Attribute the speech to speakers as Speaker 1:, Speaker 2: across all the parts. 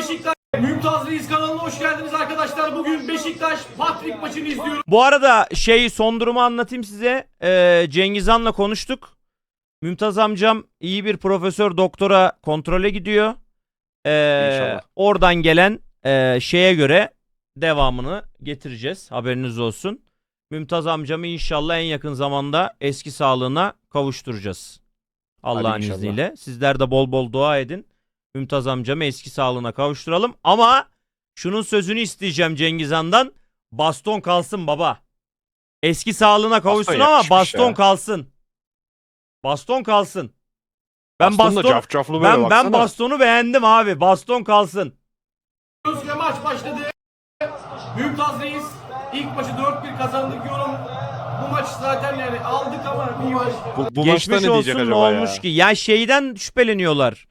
Speaker 1: Beşiktaş Mümtaz Reis kanalına hoş geldiniz arkadaşlar. Bugün Beşiktaş Patrick maçını izliyoruz.
Speaker 2: Bu arada son durumu anlatayım size. Cengiz Han'la konuştuk. Mümtaz amcam iyi bir profesör doktora kontrole gidiyor.
Speaker 3: İnşallah.
Speaker 2: Oradan gelen şeye göre devamını getireceğiz. Haberiniz olsun. Mümtaz amcamı inşallah en yakın zamanda eski sağlığına kavuşturacağız. Allah'ın
Speaker 3: Hadi inşallah.
Speaker 2: izniyle. Sizler de bol bol dua edin. Mümtaz amcamı eski sağlığına kavuşturalım. Ama şunun sözünü isteyeceğim Cengiz Han'dan. Baston kalsın baba. Eski sağlığına kavuşsun ama
Speaker 3: yakışmış
Speaker 2: baston
Speaker 3: ya.
Speaker 2: kalsın. Baston kalsın. Ben
Speaker 3: Baston da
Speaker 2: baston
Speaker 3: cafcaflı böyle
Speaker 2: ben
Speaker 3: baksana.
Speaker 2: bastonu beğendim abi. Baston kalsın.
Speaker 1: Ve maç başladı. Mümtaz Reis ilk maçı 4-1 kazandık yorum. Bu maç zaten yani aldık ama bir maç.
Speaker 3: Bu maçta
Speaker 2: Geçmiş
Speaker 3: ne
Speaker 2: olsun
Speaker 3: diyecek
Speaker 2: ne
Speaker 3: acaba
Speaker 2: olmuş
Speaker 3: ya?
Speaker 2: ki? Ya şeyden şüpheleniyorlar.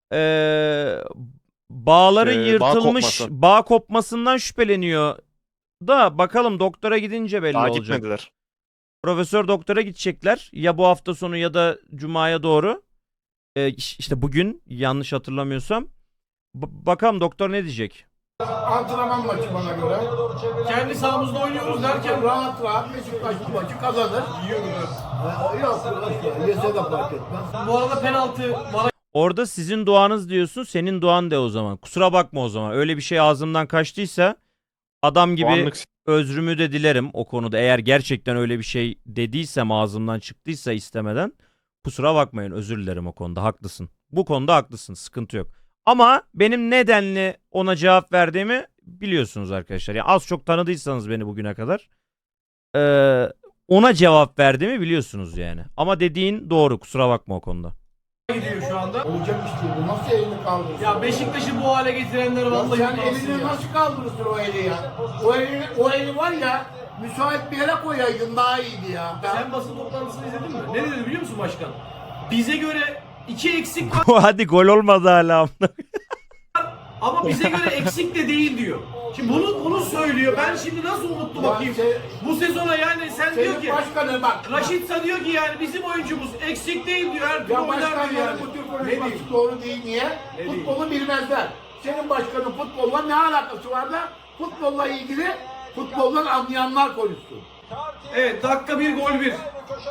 Speaker 2: Bağların
Speaker 3: Bağ
Speaker 2: yırtılmış,
Speaker 3: kopması.
Speaker 2: bağ kopmasından şüpheleniyor. Da bakalım doktora gidince belli
Speaker 3: Daha
Speaker 2: olacak.
Speaker 3: gitmediler.
Speaker 2: Profesör doktora gidecekler. Ya bu hafta sonu ya da cumaya doğru. İşte bugün yanlış hatırlamıyorsam. Bakalım doktor ne diyecek?
Speaker 4: Antrenman maçı bana göre.
Speaker 1: Kendi sahamızda oynuyoruz derken
Speaker 4: Rahat rahat Beşiktaş bu maçı kazanır. Yok, yese de fark etmez.
Speaker 1: bu arada penaltı bana
Speaker 2: Orada sizin duanız diyorsun, senin duan de o zaman. Kusura bakma o zaman. Öyle bir şey ağzımdan kaçtıysa adam gibi
Speaker 3: Puanlık
Speaker 2: özrümü de dilerim o konuda. Eğer gerçekten öyle bir şey dediysem ağzımdan çıktıysa istemeden kusura bakmayın, özür dilerim o konuda. Haklısın. Bu konuda haklısın. Sıkıntı yok. Ama benim nedenli ona cevap verdiğimi biliyorsunuz arkadaşlar. Yani az çok tanıdıysanız beni bugüne kadar ona cevap verdiğimi biliyorsunuz yani. Ama dediğin doğru. Kusura bakma o konuda.
Speaker 1: gidiyor şu anda.
Speaker 4: Olacak iş değil. Bu nasıl elini kaldırırsın?
Speaker 1: Ya Beşiktaş'ı bu hale getirenler
Speaker 4: Ya
Speaker 1: vallahi
Speaker 4: sen
Speaker 1: utansın
Speaker 4: elini
Speaker 1: ya.
Speaker 4: nasıl kaldırırsın o eli ya? O eli var ya, müsait bir yere koyaydın daha iyiydi ya.
Speaker 1: Sen basın toplantısını izledin mi? Ne dedi biliyor musun başkan? Bize göre 2 eksik var
Speaker 2: Hadi gol olmadı hala.
Speaker 1: ama bize göre eksik de değil diyor. Şimdi bunu söylüyor. Ben şimdi nasıl umutlu bakayım? Bu sezona yani sen diyor
Speaker 4: Senin
Speaker 1: ki
Speaker 4: başkanı bak.
Speaker 1: Raşitsa diyor ki yani bizim oyuncumuz eksik değil diyor. Her türlü
Speaker 4: Ya
Speaker 1: oynar diyor yani.
Speaker 4: başkanların bu tür
Speaker 1: Ne
Speaker 4: konuşması
Speaker 1: diyeyim?
Speaker 4: doğru değil. Niye?
Speaker 1: diyeyim?
Speaker 4: Futbolu bilmezler. Senin başkanın futbolla ne alakası var da futbolla ilgili futboldan anlayanlar konuşsun.
Speaker 1: Evet dakika 1 gol 1.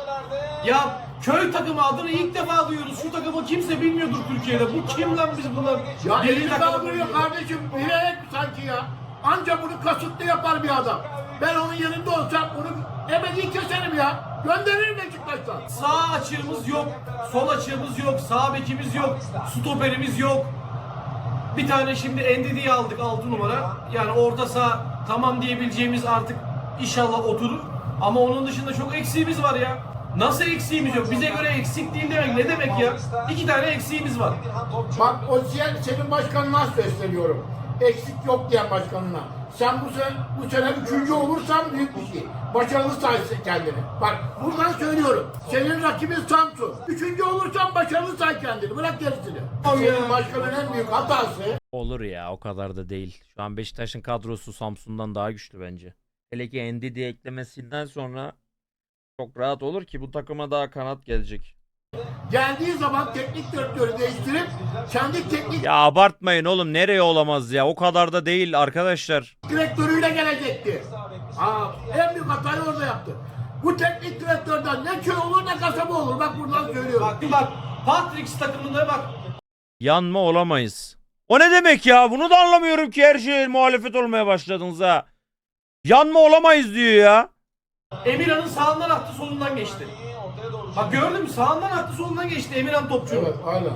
Speaker 1: Ya köy takımı adını ilk defa duyuyoruz. Şu takımı kimse bilmiyordur Türkiye'de. Bu kim lan biz bunlar?
Speaker 4: Ya
Speaker 1: Deli
Speaker 4: elini
Speaker 1: takımı.
Speaker 4: kaldırıyor kardeşim. Bilerek sanki ya. Anca bunu kasıtlı yapar bir adam. Ben onun yanında olsam bunu ebedi keserim ya. Gönderirim Beşiktaş'tan.
Speaker 1: Sağ açığımız yok. Sol açığımız yok. Sağ bekimiz yok. Stoperimiz yok. Bir tane şimdi Endidi'yi aldık 6 numara. Yani orta saha tamam diyebileceğimiz artık inşallah oturur. Ama onun dışında çok eksiğimiz var ya. Nasıl eksiğimiz yok? Bize göre eksik değil demek ne demek ya? 2 tane eksiğimiz var.
Speaker 4: Bak senin başkanına sesleniyorum. Eksik yok diyen başkanına. Sen bu sene 3. olursan büyük bir şey. Başarılı saysın kendini. Bak buradan söylüyorum. Senin rakibin Samsun. 3. olursan başarılı say kendini. Bırak gerisini. Senin başkanın en büyük hatası.
Speaker 2: Olur ya, o kadar da değil. Şu an Beşiktaş'ın kadrosu Samsun'dan daha güçlü bence. Hele ki Ndidi eklemesinden sonra çok rahat olur ki bu takıma daha kanat gelecek.
Speaker 4: Geldiği zaman teknik direktörü değiştirip kendi teknik
Speaker 2: Ya abartmayın oğlum, nereye olamaz ya, o kadar da değil arkadaşlar.
Speaker 4: direktörüyle gelecekti. En büyük hatayı orada yaptı. Bu teknik direktörden ne köy olur ne kasaba olur. Bak buradan söylüyorum.
Speaker 1: Bak Patrick takımında bak.
Speaker 2: Yanma olamayız. O ne demek ya? Bunu da anlamıyorum ki, her şeye muhalefet olmaya başladınız ha. Yanma olamayız diyor ya.
Speaker 1: Emirhan'ın sağından attı solundan geçti. Bak gördün mü? Sağından attı solundan geçti Emirhan topçu.
Speaker 4: Evet aynen.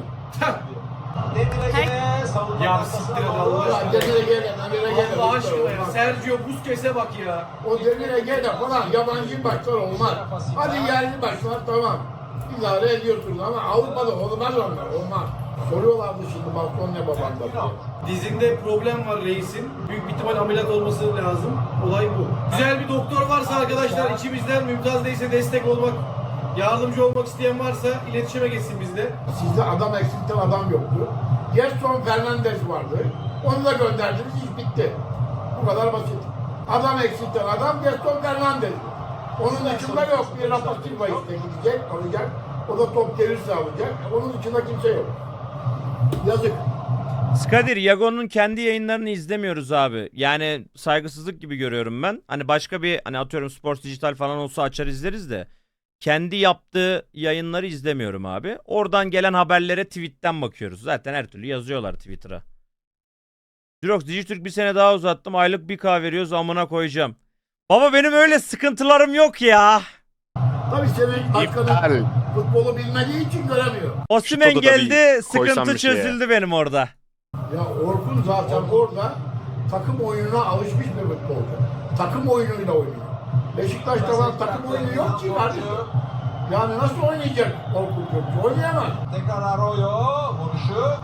Speaker 1: Ya siktir et Allah
Speaker 4: Ya
Speaker 1: aşkına.
Speaker 4: Demir Ege'yle, Demir Ege'yle.
Speaker 1: Allah aşkına ya. Sergio Busquets'e bak ya.
Speaker 4: O Demir Ege'yle falan yabancı başlar olmaz. Hadi yerli başlar tamam. İdare ediyorsunuz ama Avrupa'da olmaz onlar, olmaz. Soruyorlardı şimdi balkon ne babanda diye.
Speaker 1: Dizinde problem var reisin. Büyük bir ihtimal ameliyat olması lazım. Olay bu. Güzel bir doktor varsa arkadaşlar içimizden Mümtaz Reis'e destek olmak, yardımcı olmak isteyen varsa iletişime geçsin bizle.
Speaker 4: Sizde adam eksikten adam yoktu. Gerson Fernandez vardı. Onu da gönderdiniz, iş bitti. Bu kadar basit. Adam eksikten adam Gerson Fernandez. Onun dışında yok. Bir Rafa Silva işte gidecek, alacak. O da top gelirse alacak. Onun dışında kimse yok. Yazık.
Speaker 2: Skadir, Yago'nun kendi yayınlarını izlemiyoruz abi. Yani saygısızlık gibi görüyorum ben. Hani başka bir hani atıyorum Sports Dijital falan olsa açar izleriz de. Kendi yaptığı yayınları izlemiyorum abi. Oradan gelen haberlere tweetten bakıyoruz. Zaten her türlü yazıyorlar Twitter'a. Jirox, Dijitürk bir sene daha uzattım. Aylık 1K veriyoruz, amına koyacağım. Baba benim öyle sıkıntılarım yok ya.
Speaker 4: Tabii senin başkanın
Speaker 3: İptal.
Speaker 4: futbolu bilmediği için göremiyor.
Speaker 2: Osimhen
Speaker 3: Şutodu da bir
Speaker 2: geldi,
Speaker 3: koysam
Speaker 2: sıkıntı
Speaker 3: bir şeye.
Speaker 2: çözüldü benim orada.
Speaker 4: Ya Orkun zaten orada takım oyununa alışmış bir futbolcu. Takım oyunuyla oynuyor. Beşiktaş'ta var takım oyunu yok ki kardeşim. Yani nasıl oynayacak Orkun Kökçü? Oynayamaz.
Speaker 5: Tekrar Arroyo vuruşu.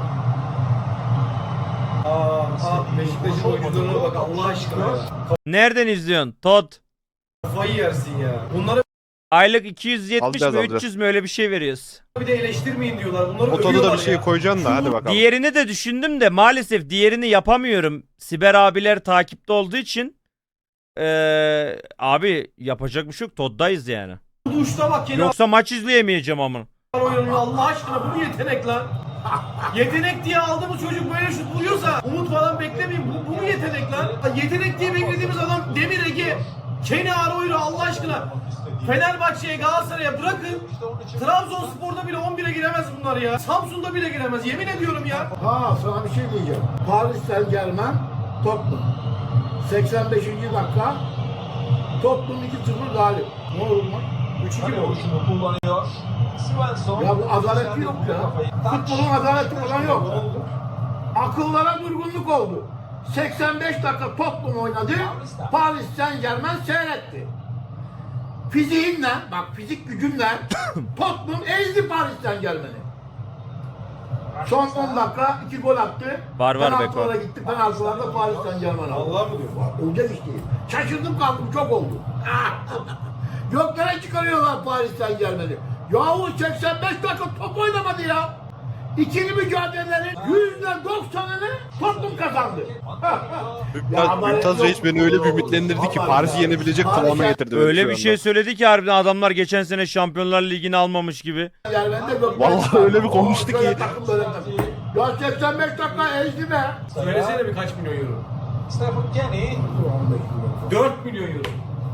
Speaker 1: Beşiktaş'ın oyuncularına bak Allah aşkına ya.
Speaker 2: Nereden izliyorsun? Todd.
Speaker 1: Kafayı yersin ya. Bunları
Speaker 2: Aylık 270
Speaker 3: Alacağız,
Speaker 2: mi
Speaker 3: alacağız.
Speaker 2: 300 mü öyle bir şey veriyoruz.
Speaker 1: bir de eleştirmeyin diyorlar. Bunları
Speaker 3: O tadı da
Speaker 1: övüyorlar
Speaker 3: bir şey
Speaker 1: ya.
Speaker 3: koyacaksın da hadi bakalım.
Speaker 2: Diğerini de düşündüm de maalesef diğerini yapamıyorum. Siber abiler takipte olduğu için. Abi yapacak bir şey yok. Todd'dayız yani.
Speaker 1: Duşta bak yine
Speaker 2: Yoksa maç izleyemeyeceğim ama.
Speaker 1: oyununu Allah aşkına bu yetenek lan. Yetenek diye aldı bu çocuk böyle şut vuruyorsa umut falan beklemeyin. Bu mu yetenek lan? Yetenek diye beklediğimiz adam Demir Ege. Kenny Arroyo Allah aşkına. Fenerbahçe'ye, Galatasaray'a bırakın. Trabzonspor'da bile 11'e giremez bunlar ya. Samsun'da bile giremez. Yemin ediyorum ya.
Speaker 4: Ha sana bir şey diyeceğim. Paris Saint Germain, Tottenham. 85. dakika Tottenham 2-0 galip. Ne olur mu?
Speaker 1: 3-2 mi oldu?
Speaker 5: Vuruşunu kullanıyor. Svensson.
Speaker 4: Ya bu adaleti yok ya. Futbolun adaleti falan yok. Akıllara durgunluk oldu. 85 dakika Tottenham oynadı. Paris Saint Germain seyretti. Fiziğinle, bak fizik gücünle Tottenham ezdi Paris Saint Germain'i. Son 10 dakika 2 gol attı.
Speaker 2: Var Beko.
Speaker 4: Penaltılara gitti. Penaltılarda Paris Saint Germain aldı.
Speaker 1: Allah mı diyor?
Speaker 4: Olacak iş değil. Şaşırdım kaldım çok oldu. Göklere çıkarıyorlar Paris Saint Germain'i. Yahu 85 dakika top oynamadı ya. İkili mücadelelerin %90'ını Tottenham kazandı.
Speaker 3: Mümtaz Reis beni öyle bir ümitlendirdi ki Paris'i yenebilecek kıvama getirdi. beni
Speaker 2: Öyle
Speaker 3: şu
Speaker 2: bir
Speaker 3: anda.
Speaker 2: şey söyledi ki harbiden adamlar geçen sene Şampiyonlar Ligi'ni almamış gibi.
Speaker 3: Vallahi öyle bir konuştu ki.
Speaker 4: Böyle takım. Ya 85 dakika ezdi be.
Speaker 1: Söylesene birkaç milyon euro.
Speaker 5: Stephen Kenny.
Speaker 1: 4 milyon euro.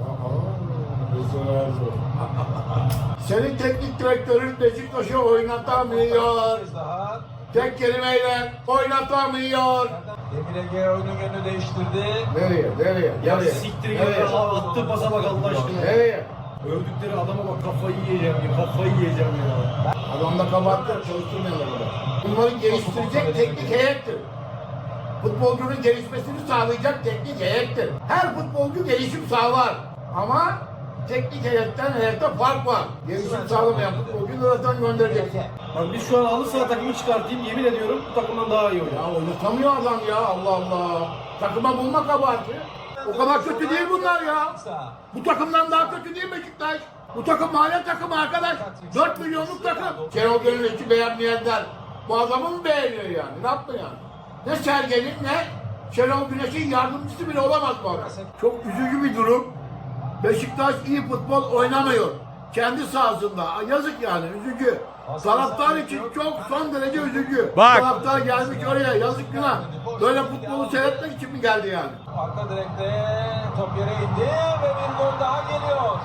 Speaker 4: Senin teknik direktörün Beşiktaş'ı oynatamıyor.
Speaker 5: Kez daha.
Speaker 4: Tek kelimeyle oynatamıyor.
Speaker 5: Demir Ege oyunun yönünü değiştirdi.
Speaker 4: Nereye?
Speaker 1: Ya
Speaker 4: Nereye?
Speaker 1: siktir ya.
Speaker 4: Nereye?
Speaker 1: Attığı pasa bak Allah aşkına.
Speaker 4: Nereye?
Speaker 1: Övdükleri adama bak kafayı yiyeceğim ya. Kafayı yiyeceğim ya.
Speaker 4: Adamda kabahatler çalıştırmıyorlar burada. Bunları geliştirecek teknik heyettir. Futbolcunun gelişmesini sağlayacak teknik heyettir. Her futbolcu gelişim sağlar. Ama teknik heyetten heyette fark var. Gelişim sağlamayan futbolcuyu zaten göndereceksin.
Speaker 1: Bak biz şu an halı saha takımı çıkartayım yemin ediyorum bu takımdan daha iyi oynar.
Speaker 4: Ya oynatamıyor adam ya Allah Allah. Takıma bulma kabahati. O kadar kötü değil bunlar ya. Bu takımdan daha kötü değil Beşiktaş. Bu takım mahalle takımı arkadaş. 4 milyonluk takım. Şenol Gönül'ü beğenmeyenler bu adamı mı beğeniyor yani? Ne yaptı yani? Ne Sergen'in ne Şenol Güneş'in yardımcısı bile olamaz bu adam. Çok üzücü bir durum. Beşiktaş iyi futbol oynamıyor. Kendi sahasında. Yazık yani üzücü. Taraftar için çok son derece üzücü.
Speaker 2: Bak.
Speaker 4: Taraftar gelmiş oraya yazık günah. Böyle futbolu seyretmek için mi geldi yani?
Speaker 5: Arka direkte top yere indi ve bir gol daha geliyor.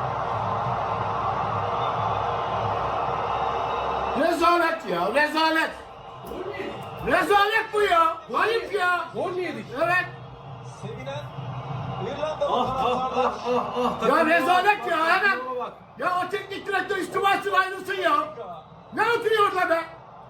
Speaker 4: Rezalet ya rezalet. Rezalet bu ya. Ayıp ya.
Speaker 1: Gol mü yedik?
Speaker 4: Evet.
Speaker 5: Sevinen İrlandalı
Speaker 1: Ah ah
Speaker 5: taraftarlar.
Speaker 1: ah ah ah.
Speaker 4: Ya rezalet ya hemen.
Speaker 1: Takıma bak.
Speaker 4: Ya o teknik direktör istifasını ayrılsın ya. Ne oturuyor orada be?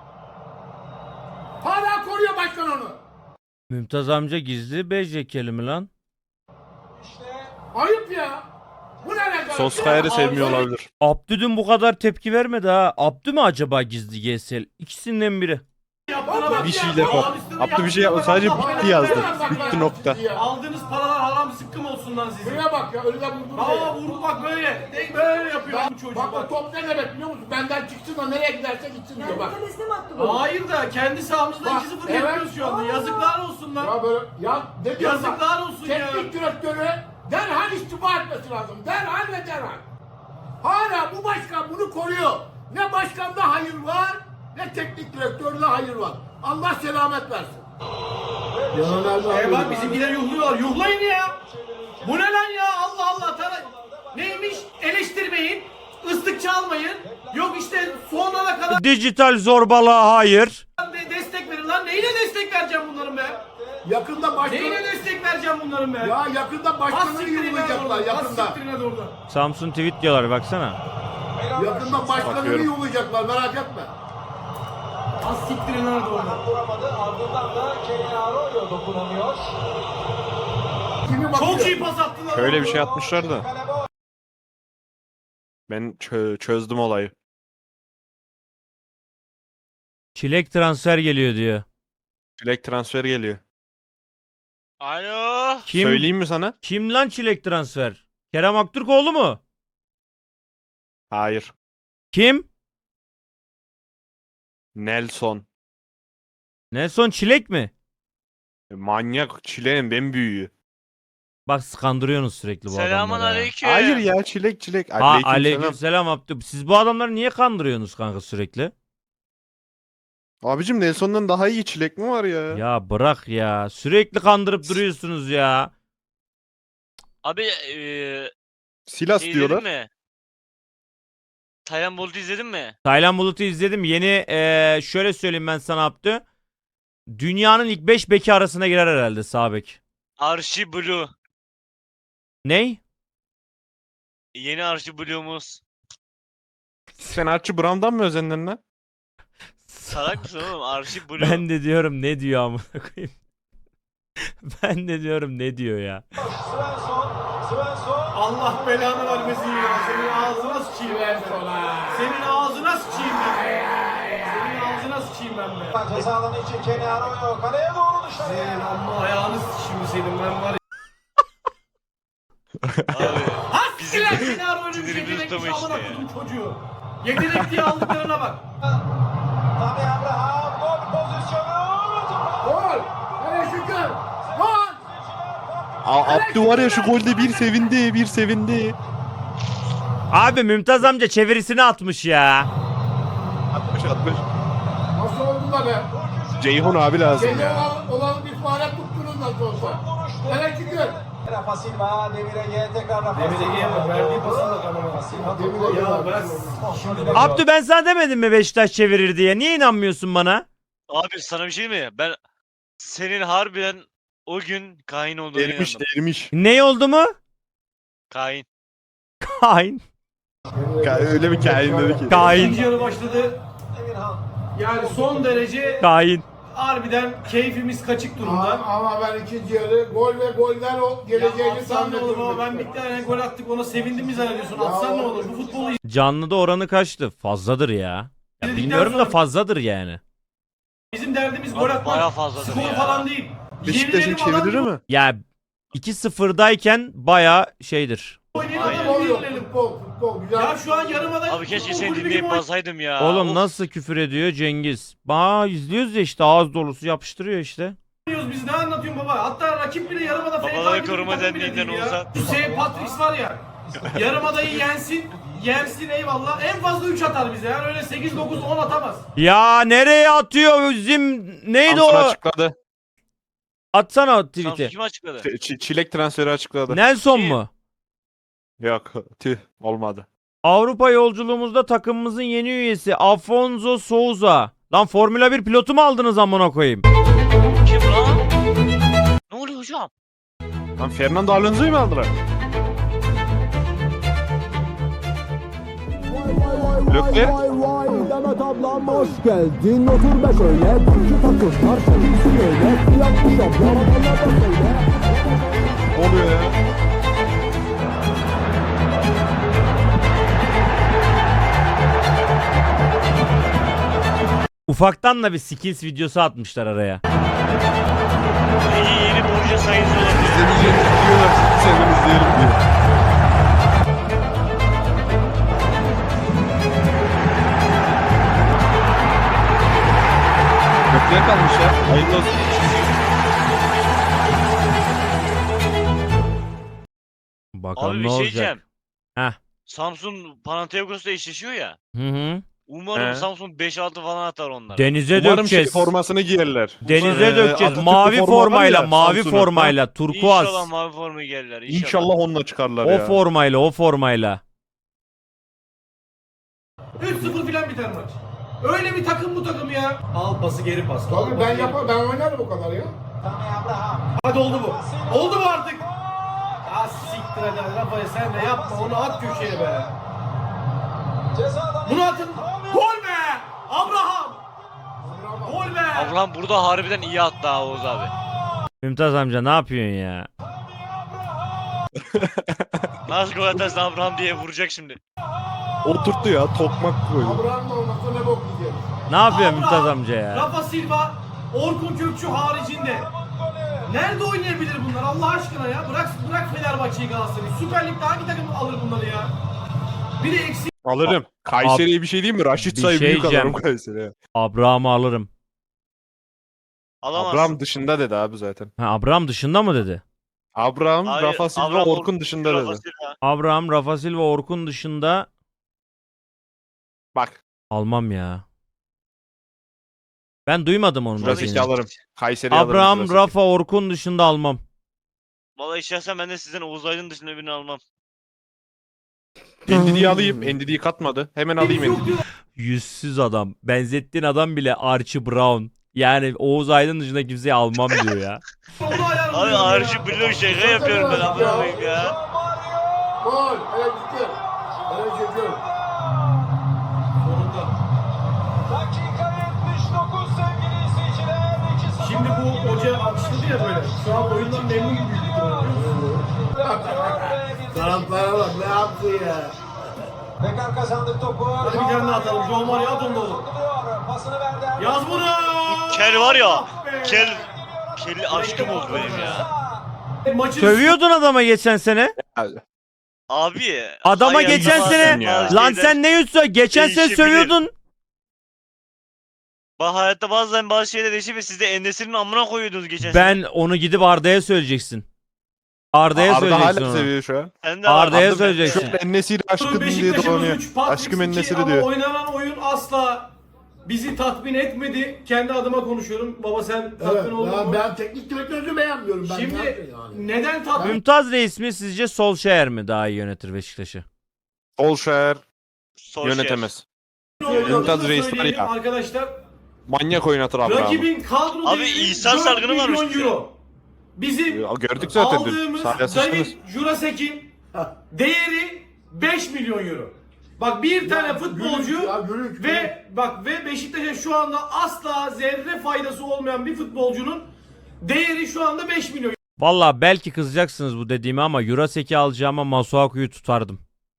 Speaker 4: Hala koruyor başkan onu.
Speaker 2: Mümtaz amca gizli becekeli mi lan?
Speaker 5: İşte
Speaker 4: Ayıp ya. Bu ne rezalet?
Speaker 3: Soskayer'i sevmiyor
Speaker 1: Abi-
Speaker 3: olabilir.
Speaker 2: Abdü dün bu kadar tepki vermedi ha. Abdü mü acaba gizli GSL? İkisinden biri.
Speaker 1: Yaptığına bak
Speaker 3: Bir
Speaker 1: ya.
Speaker 3: şeyle kop.
Speaker 1: Abisine
Speaker 3: Abdü bir şey
Speaker 1: yaptığına
Speaker 3: yapmadı. Sadece
Speaker 1: bak, Allah
Speaker 3: bitti yazdı.
Speaker 1: belanı versin
Speaker 3: Bitti
Speaker 1: ya.
Speaker 3: nokta.
Speaker 1: Aldığınız paralar haram sıkkım olsun lan sizin.
Speaker 4: Şuraya bak ya önüne vurdu.
Speaker 1: Aa vurdu bak böyle. Böyle yapıyor bu çocuk
Speaker 4: Bak o
Speaker 1: bak.
Speaker 4: top ne demek biliyor musun? Benden çıksın da nereye giderse gitsin diyor bak.
Speaker 6: Kendisine mi attı bu?
Speaker 1: Hayır da kendi sahamızda
Speaker 4: Bak,
Speaker 1: 2-0
Speaker 4: evet.
Speaker 1: yapıyoruz şu anda. Yazıklar olsun lan.
Speaker 4: Ya böyle ya ne diyorsun?
Speaker 1: Yazıklar olsun ya.
Speaker 4: Teknik direktörü derhal istifa etmesi lazım. Derhal ve derhal. Hala bu başkan bunu koruyor. Ne başkanda hayır var ne teknik direktörde hayır var. Allah selamet versin.
Speaker 1: Bak bizimkiler yuhluyorlar. Yuhlayın ya. Bu ne lan ya? Allah Allah. Neymiş? Eleştirmeyin. Islık çalmayın. Yok işte sonuna kadar
Speaker 2: Dijital zorbalığa hayır.
Speaker 1: destek verin lan. Neyine destek vereceğim bunların be?
Speaker 4: Yakında başkanı...
Speaker 1: Neyine destek vereceğim bunların be?
Speaker 4: Ya yakında başkanını yollayacaklar yakında.
Speaker 2: Samsun tweet diyorlar baksana.
Speaker 4: Yakında başkanını
Speaker 3: Bakıyorum.
Speaker 4: yollayacaklar merak etme.
Speaker 1: Az siktirin nerede orada?
Speaker 5: Vuramadı. Ardından da Kenny Arroyo dokunamıyor.
Speaker 4: Kimi bakıyor?
Speaker 1: Çok iyi pas attılar.
Speaker 3: Şöyle bir şey atmışlar da.
Speaker 5: Kale boş.
Speaker 3: Ben çözdüm olayı.
Speaker 2: Çilek transfer geliyor diyor.
Speaker 3: Çilek transfer geliyor.
Speaker 6: Alo.
Speaker 2: Kim?
Speaker 3: Söyleyeyim mi sana?
Speaker 2: Kim lan çilek transfer? Kerem Aktürkoğlu mu?
Speaker 3: Hayır.
Speaker 2: Kim?
Speaker 3: Nelson.
Speaker 2: Nelson Çilek mi?
Speaker 3: Manyak çileğin ben büyüğü.
Speaker 2: Bak kandırıyorsunuz sürekli bu
Speaker 6: Selamun
Speaker 2: adamları. ya.
Speaker 6: aleyküm.
Speaker 3: Hayır ya çilek.
Speaker 2: Ha
Speaker 3: Aleykümselam.
Speaker 2: aleykümselam Abdü. Siz bu adamları niye kandırıyorsunuz kanka sürekli?
Speaker 3: Abicim Nelson'dan daha iyi çilek mi var ya?
Speaker 2: Ya bırak ya. Sürekli kandırıp duruyorsunuz ya.
Speaker 6: Abi
Speaker 3: Silas
Speaker 6: şey
Speaker 3: diyorlar.
Speaker 6: izledin mi? Taylan Bolt'u izledin mi?
Speaker 2: Taylan Bulut'u izledim. Yeni şöyle söyleyeyim ben sana Abdü. Dünyanın ilk 5 beki arasına girer herhalde sağ bek.
Speaker 6: Archie Blue.
Speaker 2: Ney?
Speaker 6: Yeni Archie Blue'umuz.
Speaker 3: Sen Archie Brown'dan mı özendin lan?
Speaker 6: Salak mısın oğlum? Archie Blue.
Speaker 2: Ben de diyorum ne diyor amına koyayım. Ben de diyorum ne diyor ya.
Speaker 5: Svensson.
Speaker 1: Allah belanı vermesin ya. Senin ağzına sıçayım ben be. Senin ağzına sıçayım ben be. Senin ağzına sıçayım ben be.
Speaker 5: Ceza alanı için Kenny Arroyo. Kaleye doğru
Speaker 1: Senin
Speaker 5: dışarıya.
Speaker 1: amma ayağını sıçayım senin ben var ya.
Speaker 6: Abi.
Speaker 1: Haskiler seni arıyor bir
Speaker 6: sinirimiz
Speaker 1: yetenekli
Speaker 6: tutama
Speaker 1: amına
Speaker 6: işte ya.
Speaker 1: koydum çocuğu. Yetenek diye aldıklarına bak.
Speaker 5: Tammy Abraham. Gol pozisyonu.
Speaker 4: Gol! Hele şükür! Gol!
Speaker 3: Abdü var ya şu golde bir sevindi.
Speaker 2: Abi Mümtaz amca çevirisini atmış ya.
Speaker 3: 60.
Speaker 4: Nasıl oldu da be?
Speaker 3: Ceyhun abi lazım
Speaker 4: Seni
Speaker 3: ya.
Speaker 4: olan bir fare tuttunuz nasıl olsa. Hele şükür!
Speaker 5: Rafa Silva. Demirege tekrar Rafa
Speaker 1: Demirege
Speaker 5: Silva.
Speaker 1: bak, verdiği pasa bak ama.
Speaker 5: Rafa Silva.
Speaker 4: Demirege
Speaker 1: Ya
Speaker 4: bak.
Speaker 1: bırak.
Speaker 2: Abdü ben sana demedim mi Beşiktaş çevirir diye? Niye inanmıyorsun bana?
Speaker 6: Abi sana bir şey mi? Ben senin harbiden o gün kain olduğunu inandım.
Speaker 3: Ermiş.
Speaker 2: Ne oldu mu?
Speaker 6: Kain.
Speaker 2: Kain.
Speaker 3: Öyle bir kain dedi ki.
Speaker 2: Kain.
Speaker 1: İkinci yarı başladı.
Speaker 5: Emirhan.
Speaker 1: Yani son derece
Speaker 2: Kain.
Speaker 1: harbiden keyfimiz kaçık durumda.
Speaker 4: Ama ben ikinci yarı gol ve golden o
Speaker 1: Ya
Speaker 4: geleceğini
Speaker 1: atsan ne olur
Speaker 4: zannediyorum.
Speaker 1: ama ben bir tane gol attık ona sevindim mi zannediyorsun? Atsan ne olur? Bu futbolu
Speaker 2: Canlıda oranı kaçtı? Fazladır ya. Ya
Speaker 1: İzledikten
Speaker 2: bilmiyorum da
Speaker 1: sonra-
Speaker 2: fazladır yani.
Speaker 1: bizim derdimiz
Speaker 6: Abi
Speaker 1: gol
Speaker 6: bayağı
Speaker 1: atmak.
Speaker 6: fazladır
Speaker 1: Skor
Speaker 6: ya.
Speaker 1: falan değil.
Speaker 3: Beşiktaş'ın
Speaker 1: Yenilelim falan
Speaker 3: çevirir
Speaker 1: yok.
Speaker 3: mi?
Speaker 2: Ya 2-0'dayken baya şeydir.
Speaker 1: Oynayalım,
Speaker 4: Futbol yok,
Speaker 1: yenilelim.
Speaker 4: futbol güzel.
Speaker 1: Ya şu an yarımada
Speaker 6: Abi keşke
Speaker 1: futbol
Speaker 6: seni
Speaker 1: kulübü gibi
Speaker 6: dinleyip
Speaker 1: oynuyor.
Speaker 6: basaydım ya.
Speaker 2: Oğlum
Speaker 6: Of.
Speaker 2: nasıl küfür ediyor Cengiz? İzliyoruz ya işte ağız dolusu yapıştırıyor işte.
Speaker 1: Biz ne anlatıyorsun baba? Hatta rakip bile yarımada
Speaker 6: Babaları
Speaker 1: gibi bir
Speaker 6: koruma
Speaker 1: takım bile
Speaker 6: derneğinden
Speaker 1: değil ya.
Speaker 6: olsa-
Speaker 1: Hüseyin Patriks var ya. Yarımadayı yensin eyvallah. En fazla 3 atar bize. Yani öyle 8 9 10 atamaz.
Speaker 2: Ya nereye atıyor bizim neydi
Speaker 3: Samsun
Speaker 2: o?
Speaker 3: açıkladı.
Speaker 2: Atsana o
Speaker 6: Samsun
Speaker 2: tweet'i.
Speaker 6: kim açıkladı?
Speaker 3: Çilek transferi açıkladı.
Speaker 2: Nelson
Speaker 6: Kim?
Speaker 2: mu?
Speaker 3: Yok tüh olmadı.
Speaker 2: Avrupa yolculuğumuzda takımımızın yeni üyesi Afonso Souza. Lan Formula 1 pilotu mu aldınız amına koyayım?
Speaker 6: Kim lan? Ne oluyor hocam?
Speaker 3: Lan Fernando Alonso'yu mu aldılar? Leclerc.
Speaker 7: Vay vay Demet ablam hoş geldin. Otur be şöyle. Şu takımlar sevgisi böyle. Yapmış ablam. Allah da söyle.
Speaker 3: Ne oluyor ya?
Speaker 2: Ufaktan da bir skills videosu atmışlar araya.
Speaker 6: Yeni Borja sayısı olabilir.
Speaker 3: İzlemeyeceğini diyorlar. Sen izleyelim diye. Leclerc kalmış ya. Hayırlı olsun.
Speaker 2: Bakalım
Speaker 6: Abi
Speaker 2: ne
Speaker 6: bir şey
Speaker 2: olacak.
Speaker 6: diyeceğim.
Speaker 2: Heh.
Speaker 6: Samsun Panathinaikos'la eşleşiyor ya.
Speaker 2: Hı hı.
Speaker 6: Umarım
Speaker 3: He.
Speaker 6: Samsun 5-6 falan atar onlara.
Speaker 2: Denize
Speaker 3: Umarım
Speaker 2: dökeceğiz.
Speaker 3: formasını giyerler.
Speaker 2: Denize dökeceğiz.
Speaker 3: Atatürk
Speaker 2: Mavi
Speaker 3: forma var
Speaker 2: formayla,
Speaker 3: ya,
Speaker 2: mavi
Speaker 3: Samsun'un.
Speaker 2: formayla, turkuaz.
Speaker 6: İnşallah mavi formayı gelirler. İnşallah.
Speaker 3: İnşallah onunla çıkarlar
Speaker 2: O
Speaker 3: ya.
Speaker 2: formayla, o formayla.
Speaker 1: 3-0 filan biter maç. Öyle bir takım bu takım ya. Al pası geri pas. al
Speaker 4: Tabii
Speaker 1: pası
Speaker 4: ben
Speaker 1: geri
Speaker 4: yaparım, ben oynarım o kadar ya.
Speaker 5: Tammy Abraham.
Speaker 1: Hadi oldu bu. Oldu mu artık? Ya siktir hadi Rafael sen de yapma onu at köşeye be.
Speaker 5: Cezadan
Speaker 1: Bunu atın. Gol be! Abraham! Gol be!
Speaker 6: Abraham burada harbiden iyi attı ha Oğuz abi.
Speaker 2: Mümtaz amca ne yapıyorsun ya?
Speaker 6: Nasıl gol atarsın Abraham diye vuracak şimdi.
Speaker 3: Oturttu ya, tokmak koydu.
Speaker 4: Abraham'ın olmasa ne bok yiyeceğiz.
Speaker 2: Ne yapıyor
Speaker 1: Abraham,
Speaker 2: Mümtaz amca ya?
Speaker 1: Rafa Silva, Orkun Kökçü haricinde. Nerede oynayabilir bunlar Allah aşkına ya? Bırak Fenerbahçe'yi Galatasaray'ı. Süper Lig'de hangi takım alır bunları ya? Bir de eksik.
Speaker 3: Alırım. Kayseri'ye bir şey diyeyim mi? Raşit
Speaker 2: Bir
Speaker 3: Say
Speaker 2: şey
Speaker 3: büyük
Speaker 2: diyeceğim.
Speaker 3: alırım Kayseri'ye.
Speaker 2: Abraham'ı alırım.
Speaker 6: Alamazsın.
Speaker 3: Abraham dışında dedi abi zaten.
Speaker 2: Ha, Abraham dışında mı dedi?
Speaker 3: Abraham,
Speaker 6: Hayır,
Speaker 3: Rafa Silva,
Speaker 6: Abraham,
Speaker 3: Orkun dışında
Speaker 6: Rafa
Speaker 3: dedi.
Speaker 6: Silva.
Speaker 2: Abraham, Rafa Silva, Orkun dışında
Speaker 3: Bak.
Speaker 2: almam ya. Ben duymadım onu.
Speaker 3: Jurasek'i
Speaker 2: dediğini.
Speaker 3: alırım. Kayseri'ye alırım.
Speaker 2: Abraham,
Speaker 3: Jurasek'i.
Speaker 2: Rafa, Orkun dışında almam.
Speaker 6: Vallahi şahsen ben de sizden Oğuz Aydın dışında birini almam.
Speaker 3: Endidi'yi alayım. Endidi'yi katmadı. Hemen alayım
Speaker 1: Yok
Speaker 3: Endidi'yi.
Speaker 1: diyor.
Speaker 2: Yüzsüz adam. Benzettiğin adam bile Archie Brown. Yani Oğuz Aydın dışında kimseyi almam diyor ya.
Speaker 1: Onu ayarlıyor
Speaker 6: Abi
Speaker 1: ya.
Speaker 6: Arşi blok şaka yapıyorum ben amına koyayım ya.
Speaker 4: Gol. Hele gitti. Hele çekiyorum.
Speaker 1: Sonunda.
Speaker 5: dakika 79 sevgili izleyiciler. 2-0
Speaker 1: Şimdi bu hoca alkışladı ya böyle. Şu an oyundan memnun gibi büyük ihtimalle, biliyor musun?
Speaker 4: Taraflara bak ne yaptı ya.
Speaker 5: Bekar kazandık topu.
Speaker 1: Hadi bir tane daha atalım. Joe Mario at onu da oğlum.
Speaker 5: Pasını verdi.
Speaker 1: Yaz bunu.
Speaker 6: Kel var ya.
Speaker 1: Ah be.
Speaker 6: Kelli aşkım oldu benim ya.
Speaker 1: Maçın
Speaker 2: Sövüyordun adama geçen sene.
Speaker 6: Abi.
Speaker 2: Adama
Speaker 6: ayağında
Speaker 2: geçen
Speaker 6: bazı-
Speaker 2: sene
Speaker 6: bazı
Speaker 2: lan
Speaker 6: şeyler-
Speaker 2: sen ne yüzsün? Geçen sene
Speaker 6: değişebilir.
Speaker 2: sövüyordun.
Speaker 6: Bak hayatta bazen bazı şeyler değişiyor ve siz de Enes'in amına koyuyordunuz geçen sene.
Speaker 2: Ben onu gidip Arda'ya söyleyeceksin. Arda'ya
Speaker 3: Arda
Speaker 2: söyleyeceksin
Speaker 3: hala
Speaker 2: onu.
Speaker 3: seviyor şu an.
Speaker 6: Sen de
Speaker 2: Arda'ya
Speaker 6: Arda-
Speaker 2: söyleyeceksin.
Speaker 3: Şu an Ennesi'yle aşkım diye
Speaker 1: Beşiktaş'ımız
Speaker 3: dolanıyor.
Speaker 1: 3, Patrick
Speaker 3: Aşkım
Speaker 1: 2
Speaker 3: Ennesi
Speaker 1: ama
Speaker 3: diyor.
Speaker 1: oynanan oyun asla bizi tatmin etmedi. Kendi adıma konuşuyorum. Baba sen tatmin
Speaker 4: Evet,
Speaker 1: oldun mu?
Speaker 4: ben teknik direktörü beğenmiyorum. Ben ne
Speaker 1: Şimdi
Speaker 4: yapayım yani?
Speaker 1: neden tatmin
Speaker 2: Mümtaz Reis mi sizce Solskjaer mi daha iyi yönetir Beşiktaş'ı?
Speaker 3: Solskjaer
Speaker 6: Solskjaer.
Speaker 3: yönetemez.
Speaker 1: olduğunu
Speaker 3: Mümtaz Reis var
Speaker 1: söyleyelim
Speaker 3: ya.
Speaker 1: arkadaşlar.
Speaker 3: Manyak oynatır Abraham'ı.
Speaker 1: Rakibin kadro
Speaker 6: Abi
Speaker 1: değeri
Speaker 6: İhsan
Speaker 1: 4
Speaker 6: Sargın'ı varmış
Speaker 1: milyon
Speaker 6: bize.
Speaker 1: euro. Bizim
Speaker 3: Ya, gördük zaten dün.
Speaker 1: aldığımız
Speaker 3: Sahaya sıçtınız.
Speaker 1: David Jurasek'in değeri 5 milyon euro. Bak bir tane futbolcu
Speaker 4: Gülünç.
Speaker 1: ve Beşiktaş'a şu anda asla zerre faydası olmayan bir futbolcunun değeri şu anda 5 milyon.
Speaker 2: Valla belki kızacaksınız bu dediğime ama Jurasek'i alacağıma Masuaku'yu tutardım.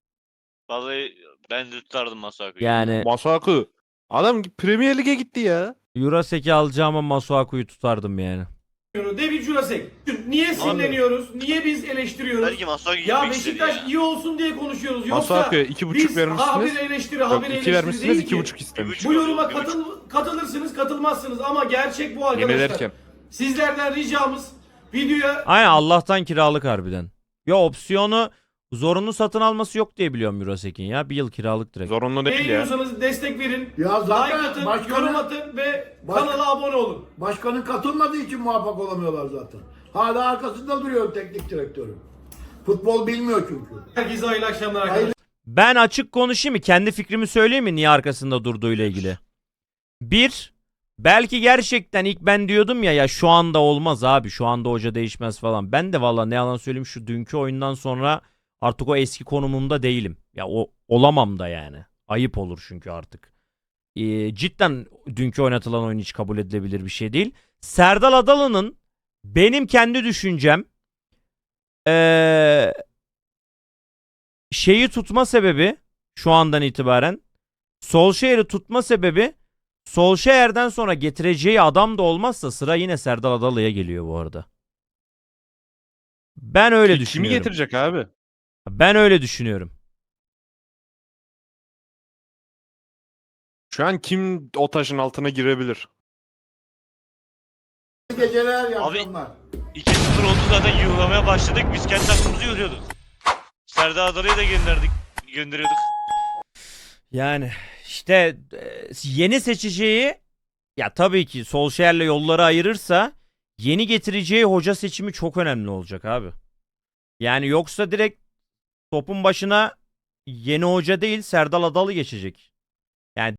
Speaker 6: Vallahi ben de tutardım Masuaku'yu.
Speaker 2: Yani
Speaker 3: Masuaku. Adam Premier Lig'e gitti ya.
Speaker 2: Jurasek'i alacağıma Masuaku'yu tutardım yani.
Speaker 1: David Jurasek. Niye sinirleniyoruz? Niye biz eleştiriyoruz?
Speaker 6: Belki Masuaku
Speaker 1: Ya
Speaker 6: gitmek istedi
Speaker 1: Beşiktaş
Speaker 6: ya.
Speaker 1: iyi olsun diye konuşuyoruz. Yoksa
Speaker 3: Masuaku'ya 2,5
Speaker 1: biz
Speaker 3: vermişsiniz.
Speaker 1: habire eleştiri,
Speaker 3: Yok,
Speaker 1: habire
Speaker 3: 2
Speaker 1: eleştiri
Speaker 3: vermişsiniz,
Speaker 1: değil ki.
Speaker 3: 2,5 istemiş.
Speaker 1: Bu yoruma katılırsınız, katılmazsınız ama gerçek bu
Speaker 3: Yemin
Speaker 1: arkadaşlar.
Speaker 3: ederken.
Speaker 1: Sizlerden ricamız videoya
Speaker 2: Aynen Allah'tan kiralık harbiden. Ya opsiyonu zorunlu satın alması yok diye biliyorum Jurasek'in ya. Bir yıl kiralık direkt.
Speaker 3: Zorunlu değil ya.
Speaker 1: beğeniyorsanız destek verin.
Speaker 4: Ya zaten
Speaker 1: Like atın,
Speaker 4: başkanı-
Speaker 1: yorum atın ve
Speaker 4: Baş-
Speaker 1: kanala abone olun.
Speaker 4: Başkanın katılmadığı için muvaffak olamıyorlar zaten. Hala arkasında duruyor teknik direktörü. Futbol bilmiyor çünkü.
Speaker 1: Herkese hayırlı akşamlar arkadaşlar.
Speaker 2: Ben açık konuşayım mı? Kendi fikrimi söyleyeyim mi niye arkasında durduğuyla ilgili? Bir, belki gerçekten ilk ben diyordum ya şu anda olmaz abi. Şu anda hoca değişmez falan. Ben de valla ne yalan söyleyeyim şu dünkü oyundan sonra artık o eski konumumda değilim. Ya o olamam da yani. Ayıp olur çünkü artık. Cidden dünkü oynatılan oyun hiç kabul edilebilir bir şey değil. Serdal Adalı'nın benim kendi düşüncem şeyi tutma sebebi şu andan itibaren Solskjaer'i tutma sebebi Solskjaer'den sonra getireceği adam da olmazsa sıra yine Serdal Adalı'ya geliyor bu arada. Ben öyle
Speaker 3: Kimi
Speaker 2: düşünüyorum.
Speaker 3: getirecek abi?
Speaker 2: Ben öyle düşünüyorum.
Speaker 3: Şu an kim o taşın altına girebilir?
Speaker 4: Geceler
Speaker 6: Abi-
Speaker 4: yapsınlar.
Speaker 6: 2-0 oldu zaten yığılamaya başladık. Biz kendi takımımızı yığılıyorduk. Serdar Adalı'yı da gönderiyorduk.
Speaker 2: Yani İşte yeni seçeceği, ya tabii ki Solskjaer'le yolları ayırırsa yeni getireceği hoca seçimi çok önemli olacak abi. Yani yoksa direkt topun başına yeni hoca değil Serdal Adalı geçecek.